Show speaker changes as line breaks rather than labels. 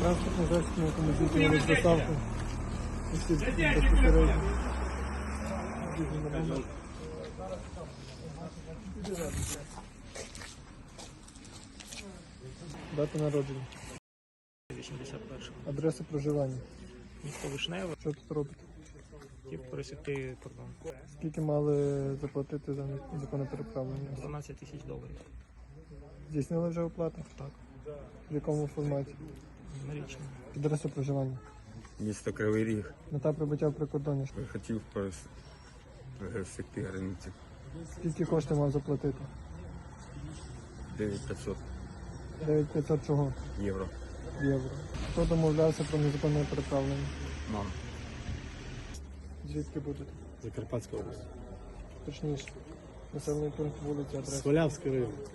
Транспортний засіб, на якому здійснювали доставку осіб безпосередньо. Дата народження.
81.
Адреса проживання.
Місто Вишневе.
Що тут робите?
Хотів пересікти кордон.
Скільки мали заплатити за незаконне переправлення?
12 тисяч доларів.
Здійснили вже оплату?
Так.
В якому форматі?
Налічно.
Адреса проживання.
Місто Кривий Ріг.
Мета прибуття в прикордонні.
Хотів пересекти границю.
Скільки коштів мав заплатити?
9500
9500 чого?
євро.
Євро. Хто домовлявся про незаконне переправлення?
Мам.
Звідки будете?
Закарпатська область.
Точніше. Населений пункт, вулиця, адреса.
Свалявський район.